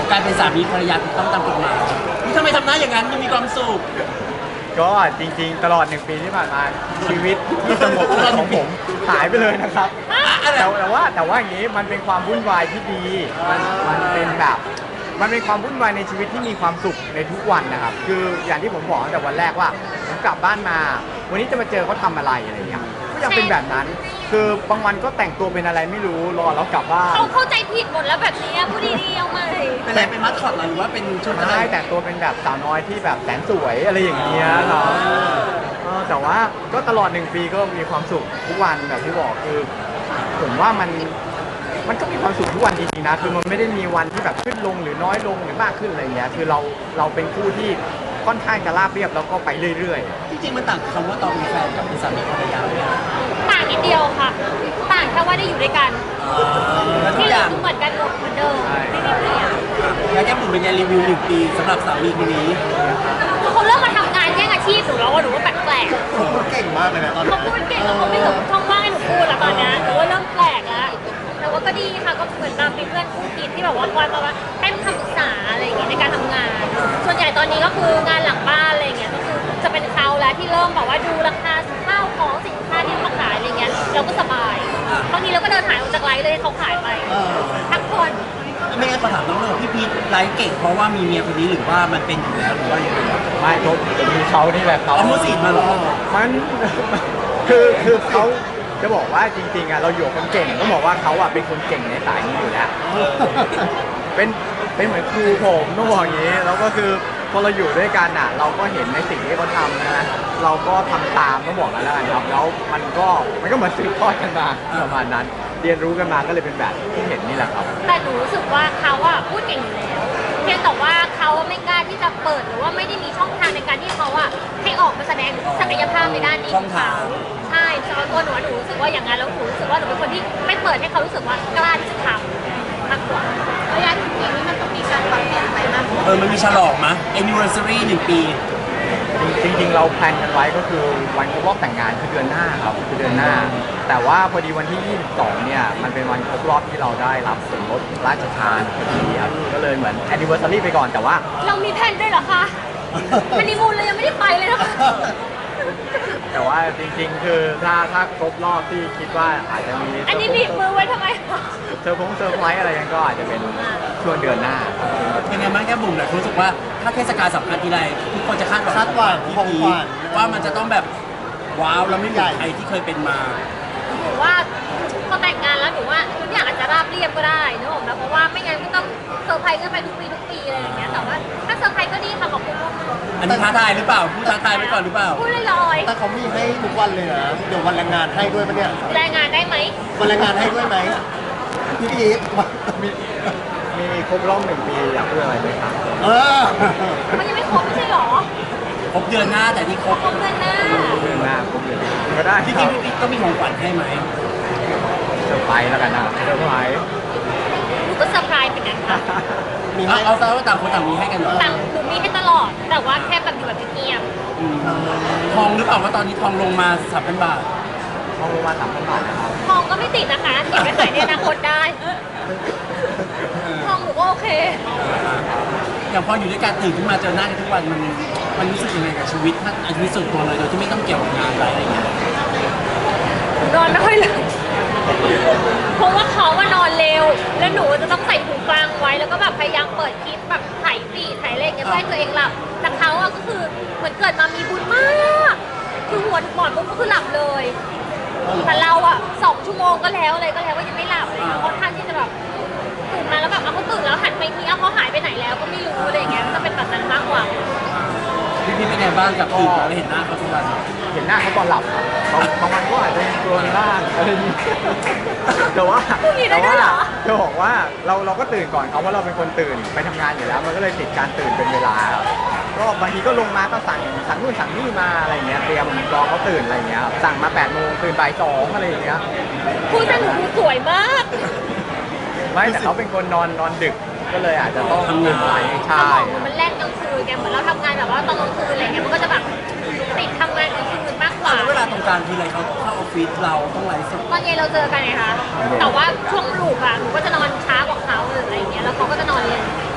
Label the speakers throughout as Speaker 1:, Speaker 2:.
Speaker 1: การเป็นสามีภรรยาถูกต้องตามกฎหมายนี่ทำไมทำหน้าอย่างนั้นยังมีความสุข
Speaker 2: ก็จริงๆตลอด1 ปีที่ผ่านมาชีวิตที่สงบของผมหายไปเลยนะครับแต่ว่าอย่างนี้มันเป็นความวุ่นวายที่ดีมันเป็นแบบมันเป็นความวุ่นวายในชีวิตที่มีความสุขในทุกวันนะครับคืออย่างที่ผมบอกตั้งแต่วันแรกว่าผมกลับบ้านมาวันนี้จะมาเจอเขาทำอะไรอะไรอย่างเงี้ยก็ยังเป็นแบบนั้นคือบางวันก็แต่งตัวเป็นอะไรไม่รู้รอแล้วกลับบ้าน
Speaker 3: เขาเข้าใจผิดหมดแล้วแบบนี้พูดดีๆเอาใหม่
Speaker 1: เป็นอะไรเป็นมัสคอตหรือว่าเป็นชุดอะไร
Speaker 2: ใช่แต่งตัวเป็นแบบสาวน้อยที่แบบแสนสวยอะไรอย่างเงี้ยเนาะแต่ว่าก็ตลอด1 ปีก็มีความสุขทุกวันแบบที่บอกคือผมว่ามันก็มีความสุขทุกวันจริงๆนะคือมันไม่ได้มีวันที่แบบขึ้นลงหรือน้อยลงหรือมากขึ้นอะไรเงี้ยคือเราเป็นคู่ที่ค่อนข้างจะราบเรียบแล้วก็ไปเรื่อย
Speaker 1: ๆจริงๆมันต่างคำว่าตอนเป็นแฟนกับเป็นสามีภรรยาเนี่ย
Speaker 3: ต่างนิดเดียวค่ะต่างแค่ว่าได้อยู่ด้วยกันที่เหลือเหมือนกันหมดเหมือนเดิมไม่มีเปลี่ยน
Speaker 1: แล้วแก้มบุ๋มเป็นไงรีวิว1 ปีสำหรับสามีคนนี้
Speaker 3: เขาเริ่มมาทำงานแย่งอาชีพหนูแล้วว่าหนูว่าแปลกๆ
Speaker 4: เขาพูดเก่งมากเลยนะตอนนี้
Speaker 3: เขาพูดเก่งแล้วเขาไม่เหลือช่องว่างให้หนูพูดแล้วตอนนี้หนูว่าเริ่มแปลกแล้วแต่ว่าก็ดีค่ะก็เหมือนตามเป็นเพื่อนคู่คิดที่แบบว่าคอยมาให้คำปรึกษาอะไรอย่างเงี้ยในการทำงาน ส่วนใหญ่ตอนนี้ก็คืองานหลังบ้านอะไรเงี้ยก็คือจะเป็นเขาแล้วที่เริ่มแบบว่าดูราคาข้าวของสินค้าที่มาขายอะไรเงี้ยเราก็สบายบางทีเราก็เดินหายออกจากไลฟ์เลยให้เขาขายไปทักคน
Speaker 1: ไม่งั้นขอถามน้องเลยพี่พีทไลฟ์เก่งเพราะว่ามีเมียคนนี้หรือว่ามันเป็นอยู่แล้วหรือว่าอย่างไร
Speaker 2: ไม่ผมมีเขานี่แหละเขา
Speaker 1: เอามือสีมาหรอ
Speaker 2: มันคือเขาจะบอกว่าจริงๆเราอยู่กับคนเก่งต้องบอกว่าเขาเป็นคนเก่งในสายนี้อยู่แล้วเป็นเหมือนครูผมต้องบอกอย่างนี้แล้วก็คือพอเราอยู่ด้วยกันเราก็เห็นในสิ่งที่เขาทำนะเราก็ทำตามต้องบอกกันแล้วกันครับแล้วมันก็เหมือนสืบทอดกันมาประมาณนั้นเรียนรู้กันมาก็เลยเป็นแบบที่เห็นนี่แหละครับ
Speaker 3: แต่หนูรู้สึกว่าเขาพูดเก่งอยู่แล้วเพียงแต่ว่าเขาไม่กล้าที่จะเปิดหรือว่าไม่ได้มีช่องทางในการที่เขาให้ออกมาแสดงศักยภาพในด้านนี้ของเขาใช่สำหรับตัวหนูรู้สึกว่าอย่างนั้นแล้วหนูรู้สึกว่าหนูเป็นคนที่ไม่เปิดให้เขารู้สึกว่ากล้าที่จะทำมากกว่าระยะ1 ปีนี้มันต้องมีการปรับเปลี่ยนไปมาก
Speaker 1: มันมีฉลองมั้ย anniversary 1 ปี
Speaker 2: จริงๆเราแพลนกันไว้ก็คือวันครบรอบแต่งงานคือเดือนหน้าครับคือเดือนหน้าแต่ว่าพอดีวันที่22เนี่ยมันเป็นวันครบรอบที่เราได้รับส่วนลดราชทานพอดีครับก็เลยเหมือน anniversary ไปก่อนแต่ว่า
Speaker 3: เรามีแผนด้วยเหรอคะฮันนีมูนเลยยังไม่ได้ไปเลยนะคะ
Speaker 2: แต่ว่าจริงๆคือถ้าครบรอบที่คิดว่าอาจจะมี
Speaker 3: อันนี้บีบมือไว้ทำไม
Speaker 2: เซอร์ไพรส์อะไรกันก็อาจจะเป็นช่วงเดือนหน้า
Speaker 1: เป็นไงบ้างแก้มบุ๋มรู้สึกว่าถ้าเทศกาลสำคัญทีไรทุกคนจะคาดหวัง
Speaker 4: ของขวัญ
Speaker 1: ว่ามันจะต้องแบบว้าวแล้วไม่เหมือนใครที่เคยเป็นมา
Speaker 3: หนูว่าพอแต่งงานแล้วหนูว่าทุกอย่างอาจจะราบเรียบก็ได้นะผมนะเพราะว่าไม่งั้นก็ต้องเซอร์ไพรส์กันไปทุกปีอะไรอย่างเงี้ยแต่ว่าถ้าเซอร์ไพรส์ก็ดีค่ะขอบคุณ
Speaker 1: อันนี้ท้าทายหรือเปล่าพูดท้าทายไว้ก่อนหรือเปล่า
Speaker 3: พูดลอย
Speaker 4: ๆแต่เขามีให้ทุกวันเลยนะเดี๋ยววันแรงงานให้ด้วยปะเนี่ย
Speaker 3: แรงงานได้ไหม
Speaker 4: วันแรงงานให้ด้วยไหมพี่พีท
Speaker 2: มีครบรอบ1 ปีอยากพูดอะไรไหมครับ
Speaker 3: มันยังไม่ครบไม่ใช่หรอ
Speaker 1: ครบเดือนหน้าแต่ที่ครบ
Speaker 3: เดือนหน้า
Speaker 2: ก็ได้
Speaker 1: จริงๆพี่ก็มีของขวัญให้ไหม
Speaker 2: เซอร์ไพรส์แล้วกันนะเซอร์ไพรส์
Speaker 3: หนูก็เซอร์ไพรส์เหมือนกันค่ะ
Speaker 1: มีเอาซะว่าต่างคนต่างมีให้กันเหรอ
Speaker 3: ต่างหนูมีให้ตลอดแต่ว่าแค่แบบอยู่แบบเงียบ
Speaker 1: ทองหรือเปล่าว่าตอนนี้ทองลงมา 3,000 บาท
Speaker 2: ทองลงมา 3,000 บาทนะครับ
Speaker 3: ทองก็ไม่ติดนะคะเก็บไปขายในอนาคตได้ทองหนูก็โอเค
Speaker 1: อย่างพออยู่ด้วยกันตื่นขึ้นมาเจอหน้ากันทุกวันมันรู้สึกยังไงกับชีวิตถ้าชีวิตส่วนตัวเลยโดยที่ไม่ต้องเกี่ยวกับงานอะไรอย่างเงี้ย
Speaker 3: นอนไม่ค่อยหลับเพราะว่าเขานอนเร็วแล้วหนูจะต้องใส่หูฟังไว้แล้วก็แบบพยายามเปิดคลิปแบบถ่ายฟีดถ่ายอะไรอย่างเงี้ยเพื่อให้ตัวเองหลับแต่เขาก็คือเหมือนเกิดมามีบุญมากคือหัวหมอนปุ๊บก็คือหลับเลยแต่เรา2 ชั่วโมงก็แล้วก็ยังไม่หลับเลยค่อนข้างที่จะแบบตื่นมาแล้วแบบเขาตื่นแล้วหันไปทีเขาหายไปไหนแล้วก็ไม่รู้อะไรอย่างเงี้ยจะเป็นแบบนั้นมากกว่า
Speaker 1: พี่เป็นไงบ้างกับตื่นมาแล้วเห็นหน้าเขาทุกวัน
Speaker 2: เห็นหน้าเขาตอนหลับครับบางวันก็อาจจะโดนบ้างอะไรอย่างนี้แต่ว่าจะบอกว่าเราก็ตื่นก่อนเขาว่าเราเป็นคนตื่นไปทำงานอยู่แล้วมันก็เลยติดการตื่นเป็นเวลาก็บางทีก็ลงมาก็สั่งนู่นสั่งนี่มาอะไรเงี้ยเตรียมรอเขาตื่นอะไรเงี้ยสั่งมา8 โมงตื่นบ่าย 2อะไรอย่างเงี้ย
Speaker 3: พูดแต่หนูสวยมาก
Speaker 2: ไม่แต่เขาเป็นคนนอนดึกก็เลยอาจจะต้อง
Speaker 3: ทำงานใช่มันแลกกลางคืนไงเหมือนเราทำงานแบบว่าตอนกลางคืนอะไรเงี้ยมันก็จะแบบติดทำงานกลางคืนมากกว่า
Speaker 1: เวลาตรงกลางทีไรเขาเข้าออฟฟิศเราต้องไลฟ์สด
Speaker 3: ตอนเย็นเราเจอกันไงคะแต่ว่าช่วงลูกหนูก็จะนอนช้ากว่าเขาหรืออะไรเงี้ยแล้วเขาก็จะนอนเย็น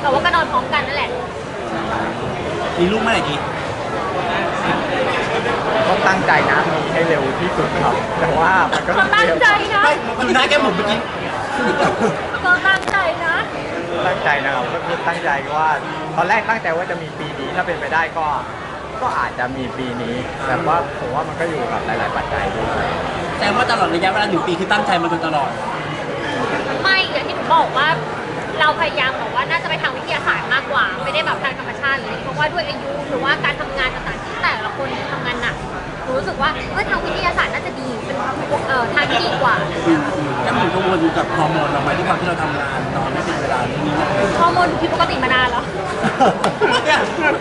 Speaker 3: แต่ว่าก็นอนพร้อมกันนั่นแหละ
Speaker 1: มีลูกเมื่อไหร่ดี
Speaker 2: ก็ตั้งใจนะมีให้เร็วที่สุดครับ แต่ว่ามันก็
Speaker 3: ก็ตั้งใจนะ
Speaker 1: ไม่ดูหน้าแก้มหมุนเมื่อกี้
Speaker 3: ก็ตั้งใจนะ
Speaker 2: ตั้งใจนะครับก็คือตั้งใจว่าตอนแรกตั้งใจว่าจะมีปีนี้ถ้าเป็นไปได้ก็อาจจะมีปีนี้แต่ว่าผมว่ามันก็อยู่กับหลาย ๆ ปัจจัยด้วย
Speaker 1: แต่ว่าตลอดระยะเวลา1 ปีคือตั้งใจมาโดยตลอด
Speaker 3: ไม่อย่างที่หนูบอกว่าเราพยายามบอกว่าน่าจะไปทางวิทยาศาสตร์มากกว่า ไม่ได้แบบทางธรรมชาติเลยเพราะว่าด้วยอายุหรือว่าการทำงานต่างๆที่แต่ละคนทำงานหนักหนูรู้สึกว่าทางวิทยาศาสตร์น่าจะดีเป็นทางที่ดีกว่า
Speaker 1: แก้มหมุนกังวลกับฮอร์โมนเราไหมด้วยความที่เราทำงานนอนไม่เป็นเวลานี่
Speaker 3: ฮอร์โมนผิดปกติมานานแล้ว
Speaker 1: เนี่ย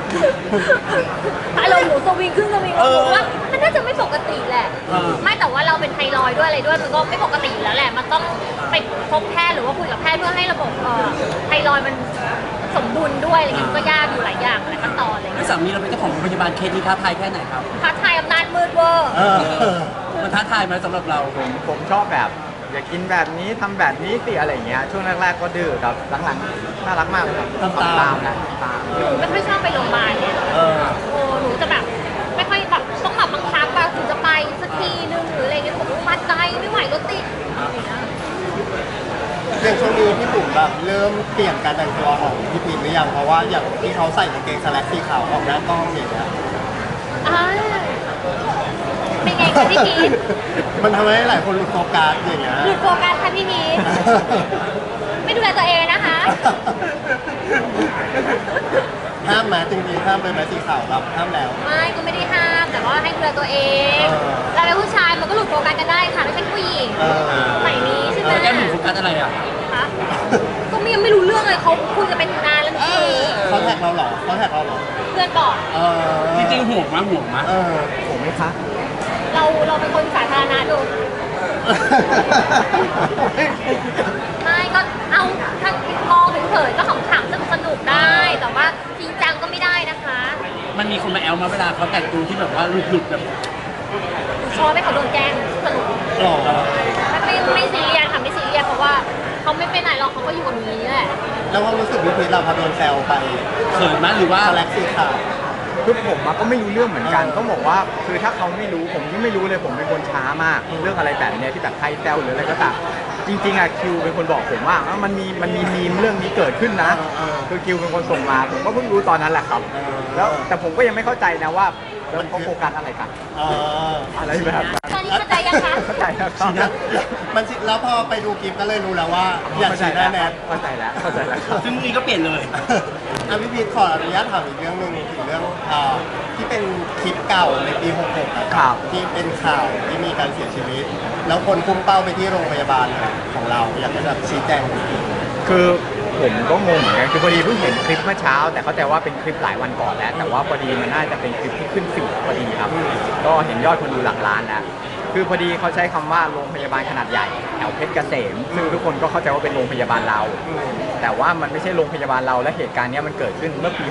Speaker 3: อารมณ์หนูสวิงขึ้นสวิงลงว่ามันน่าจะไม่ปกติแหละ ไม่แต่ว่าเราเป็นไทรอยด์ด้วยอะไรด้วยมันก็ไม่ปกติอยู่แล้วแหละ มันต้องไปพบแพทย์หรือว่าคุยกับแพทย์เพื่อให้ระบบไทรอยด์มันสมดุลด้วยอะไรเงี้ยมันก็ยากอยู่หลายอย่างหลายขั้นตอนอะไร
Speaker 1: แล้
Speaker 3: เงี้
Speaker 1: วย สามีเราเป็นเจ้าของโรงพยาบาลเคสนี้ท้าทายแค่ไหนครับ
Speaker 3: ท้าทายอำนาจมืดเวอร์
Speaker 1: มันท้าทายไหมสำหรับเรา
Speaker 2: ผมชอบแบบอยากกินแบบนี้ทำแบบนี้สิอะไรอย่างเงี้ยช่วงแรก ๆ ก็ดื้อครับหลังๆน่ารักมากเลยครับ
Speaker 1: ตาม
Speaker 2: นะตาม
Speaker 3: หนูไม่ค่อยชอบไปโรงพยาบาลเนี่ย
Speaker 1: เออ
Speaker 3: โอ้หนูจะแบบไม่ค่อยแบบต้องแบบบังคับอะถึงจะไปสักทีนึงหรืออะไรเงี้ยผมมาใจไม่ไหวรถติดอะไรเงี้ย
Speaker 4: อย่างช่วงนี้พี่บุ๋มแบบเริ่มเปลี่ยนการแต่งตัวของพี่พีทหรือยังเพราะว่าอย่างที่เขาใส่กางเกงสแลกสีขาวออกหน้ากล้องอย่างเงี้ย
Speaker 3: อ่าเป็นไงคะพี่พีท
Speaker 4: มันทำให้หลายคนหลุดโฟกัสอย่างเงี้ย
Speaker 3: หลุดโฟกัสค่ะพี่พีทไม่ดูแลตัวเองนะคะ
Speaker 4: ห้ามไหมจริงๆห้ามเลยไหมสีขาวครับห้ามแล้ว
Speaker 3: ไม่ก็ไม่ได้ห้ามแต่ว่าให้ดูแลตัวเอง
Speaker 4: เออ
Speaker 3: เราเป็นผู้ชายมันก็หลุดโฟกัสกันได้ค่ะไม่ใช่ผู้หญิง
Speaker 4: เออ
Speaker 3: สมัยนี้ใช่ไหม
Speaker 1: แล้วแก้มหมุนโฟกัสอะไรอ่ะ
Speaker 3: คะก็ยังไม่รู้เรื่องเลยเขาคุยกันเป็นนานแล้วนี่
Speaker 4: เขาแท็กเราเหรอเขาแท็กเราเหรอ
Speaker 3: เพื่อนบอก
Speaker 4: เออ
Speaker 1: จริงๆห่วงมั้ยห่วงมั้ย
Speaker 4: เออ
Speaker 2: ผมไหมคะ
Speaker 3: เราเป็นคนสาธารณะดูไม่ก็เอาถ้ามองเฉยๆก็ขำๆสนุกๆได้ แต่ว่าจริงจังก็ไม่ได้นะคะ
Speaker 1: มันมีคนมาแอลมาเวลาเขาแต่งตัวที่แบบว่าหลุดๆแบบ
Speaker 3: ชอบให้เขาโดนแกล้งสนุก
Speaker 4: หล่อ
Speaker 3: ไม่ซีเรียสค่ะไม่ซีเรียสเพราะว่าเขาไม่ไปไหนหรอกเขาก็อยู่กับหนูอย่างนี้แหละ
Speaker 4: แล้วความรู้สึกพี่พีทเราพอโดนแซวไป
Speaker 1: เขินมั้ยหรือว่า
Speaker 4: สแลกสีขาว
Speaker 2: คือผมอะก็ไม่รู้เรื่องเหมือนกัน
Speaker 4: เออ
Speaker 2: ต้องบอกว่าคือถ้าเขาไม่รู้ผมก็ไม่รู้เลยผมเป็นคนช้ามาก เรื่องอะไรแบบเนี้ยที่แบบใครแซวหรืออะไรก็ตามจริงๆอะคิวเป็นคนบอกผมว่ามันมีมีมเรื่องนี้เกิดขึ้นนะ คือคิวเป็นคนส่งมาผมก็เพิ่งรู้ตอนนั้นแหละครับ แล้วแต่ผมก็ยังไม่เข้าใจนะว่าแล้วเขาโฟกัสอะไรกัน
Speaker 4: เออ
Speaker 2: อะไรแบบนั้น
Speaker 3: ตอนนี้เข้าใจยังคะ
Speaker 2: เข้าใจแล้วครับ
Speaker 4: มันสิแล้วพอไปดูคลิปก็เลยรู้แล้วว่าอยาก
Speaker 2: เข้าใจ
Speaker 4: ฉีดห
Speaker 2: แล้
Speaker 4: น้าว แนท
Speaker 2: เข้าใจแล้วเข้าใจแล้วครับ
Speaker 1: ซึ่งนี่ก็เปลี่ยนเลย
Speaker 4: อ่ะพี่พีทขออนุญาตถามอีกเรื่องหนึงถึงเรื่องที่เป็นคลิปเก่าในปี 66นะค
Speaker 2: ครั
Speaker 4: รับบ ที่เป็นข่าวที่มีการเสียชีวิต แล้วคนพุ่งเป้าไปที่โรงพยาบาลของเราอยากจะแบบชี้แจง
Speaker 2: คือผมก็งงเหมือนกันคือพอดีเพิ่งเห็นคลิปเมื่อเช้า แต่เข้าใจว่าเป็นคลิปหลายวันก่อนแล้ว แต่ว่าพอดีมันน่าจะเป็นคลิปที่ขึ้นฟีดพอดีครับ ก็เห็นยอดคนดูหลักล้านแล้วคือพอดีเขาใช้คำว่าโรงพยาบาลขนาดใหญ่แถวเพชรเกษมซึ่งทุกคนก็เข้าใจว่าเป็นโรงพยาบาลเรา แต่ว่ามันไม่ใช่โรงพยาบาลเราและเหตุการณ์เนี้ยมันเกิดขึ้นเมื่อปี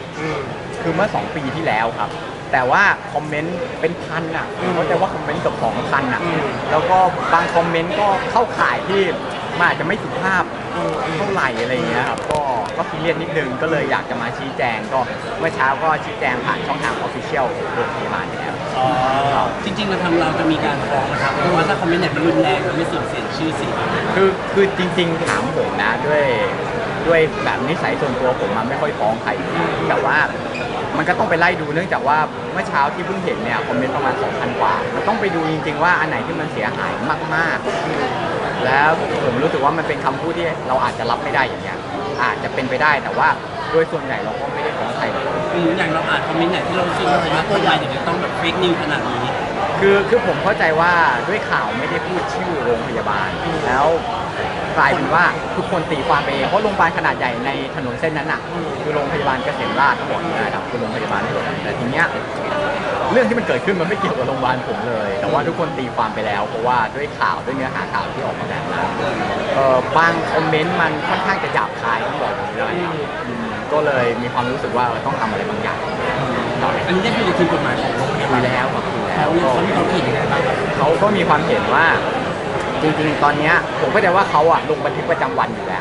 Speaker 2: 66 คือเมื่อ 2 ปีที่แล้วครับ แต่ว่าคอมเมนต์เป็นพันอ่ะเข้าใจว่าคอมเมนต์เกือบ2,000อ่ะแล้วก็บางคอมเมนต์ก็เข้าข่ายที่มันอาจจะไม่สุภาพเท่าไหร่อะไรอย่างเงี้ยครับก็ซีเรียสนิดนึงก็เลยอยากจะมาชี้แจงก็เมื่อเช้าก็ชี้แจงผ่านช่องทางออฟฟิเชียลโรงพยาบาลแล้ว
Speaker 1: จริงๆเราทางเราจะมีการฟ้องนะครับเพราะว่าถ้าคอมเมนต์ไหนมันรุนแรงมันไม่เสื่อมเสียชื่อเสียง
Speaker 2: คือจริงๆถามผมนะด้วยแบบนิสัยส่วนตัวผมมันไม่ค่อยฟ้องใครแต่ว่ามันก็ต้องไปไล่ดูเนื่องจากว่าเมื่อเช้าที่เพิ่งเห็นเนี่ยคอมเมนต์ประมาณ 2,000 กว่ามันต้องไปดูจริงๆว่าอันไหนที่มันเสียหายมากๆแล้วผมรู้สึกว่ามันเป็นคำพูดที่เราอาจจะรับไม่ได้อย่างเงี้ยอาจจะเป็นไปได้แต่ว่าโดยส่วนใหญ่เราก็ไม่ได้ฟ้องใครเลย
Speaker 1: อย่างเราอ่านคอมเมนต์ไหนที่เรารู้สึกว่าทำไมถึงจะต้องแบบเฟกนิวขนาดนี้
Speaker 2: คือผมเข้าใจว่าด้วยข่าวไม่ได้พูดชื่อโรงพยาบาลแล้วกลายเป็นว่าทุกคนตีความไปเองเพราะโรงพยาบาลขนาดใหญ่ในถนนเส้นนั้นน่ะคือโรงพยาบาลเกษมราษฎร์ทั้งหมดนะครับคือโรงพยาบาลทั้งหมดแต่ทีเนี้ยเรื่องที่มันเกิดขึ้นมันไม่เกี่ยวกับโรงพยาบาลผมเลย แต่ว่าทุกคนตีความไปแล้วเพราะว่าด้วยข่าวด้วยเนื้อหาข่าวที่ออกมาแบบนั้นบางคอมเมนต์มันค่อนข้างจะหยาบคายต้องบอกอย่างนี้เลยครับก็เลยมีความรู้สึกว่าต้องทำอะไรบางอย่างหน่อย
Speaker 1: อันนี้ได้คุยกับทีมกฎหมายของโรงพยา
Speaker 2: คุ
Speaker 1: บาล
Speaker 2: ยแล้วครับคุยแล้ว
Speaker 1: เขามีความเห็นยังไงบ้างครับ
Speaker 2: เขาก็มีความเห็นว่าจริงๆ ตอนเนี้ยผมก็จะว่าเขาอะลงบันทึกประจำวันอยู่แล้ว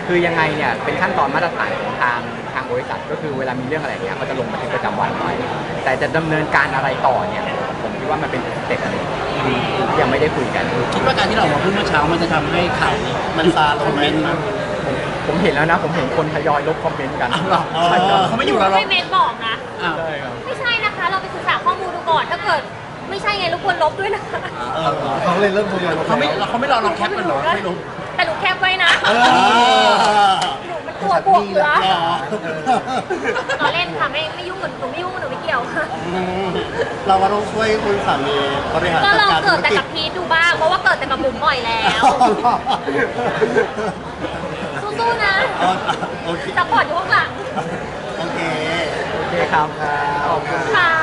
Speaker 2: คือยังไงเนี่ยเป็นขั้นตอนมาตรฐานของทางบริษัทก็คือเวลามีเรื่องอะไรเนี่ยเขาจะลงบันทึกประจำวันไว้แต่จะดำเนินการอะไรต่อเนี่ยผมคิดว่ามันเป็นสเต็ปอะไรที่ยังไม่ได้คุยกัน
Speaker 1: คิดว่าการที่เราออกมาพูดเมื่อเช้ามันจะทำให้ข่าวนี้
Speaker 4: มันซาลงไหม
Speaker 2: ผมเห็นแล้วนะผมเห็นคนทยอยลบคอมเมนต์กัน
Speaker 1: อ้าวเหรอ
Speaker 2: ใช่ครับ
Speaker 1: เขาไม่อยู่แล้วหรอ
Speaker 3: ไม่เมนบอกนะ
Speaker 1: อ้าว
Speaker 2: ใช่ครับ
Speaker 3: ไม่ใช่นะคะ เราไปศึกษาข้อมูลดูก่อน ถ้าเกิดไม่ใช่ไงรบกวนลบด้วยนะคะ
Speaker 4: เขาเลยเริ่มทยอยลง
Speaker 1: เขาไม่รอเราแคปกันเหรอไม่รู้
Speaker 3: แต่หนูแคปไว้นะ
Speaker 4: เออ
Speaker 3: หนูมันตัวบวกอยู่แล้ว
Speaker 4: อ๋อ
Speaker 3: เราเล่นค่ะไม่ยุ่งกับหนูไม่ยุ่งกับหนูไม่เกี่ยวค่ะ
Speaker 4: เราก็ต้องช่วยคุณสามีบริหาร
Speaker 3: ก็
Speaker 4: จัด
Speaker 3: ลอง
Speaker 4: การธุ
Speaker 3: เกิด
Speaker 4: ร
Speaker 3: แต่
Speaker 4: กิจ
Speaker 3: กับพีทดูบ้าง เพราะว่าเกิดแต่กับบุ๋มบ่อยแล้ว สู้ๆนะ
Speaker 4: โอเค
Speaker 3: ซัพพอร์ตอยู่ข้างหลัง
Speaker 4: โอเค
Speaker 2: โอเคครับ
Speaker 4: ขอบคุณ
Speaker 3: ค่ะ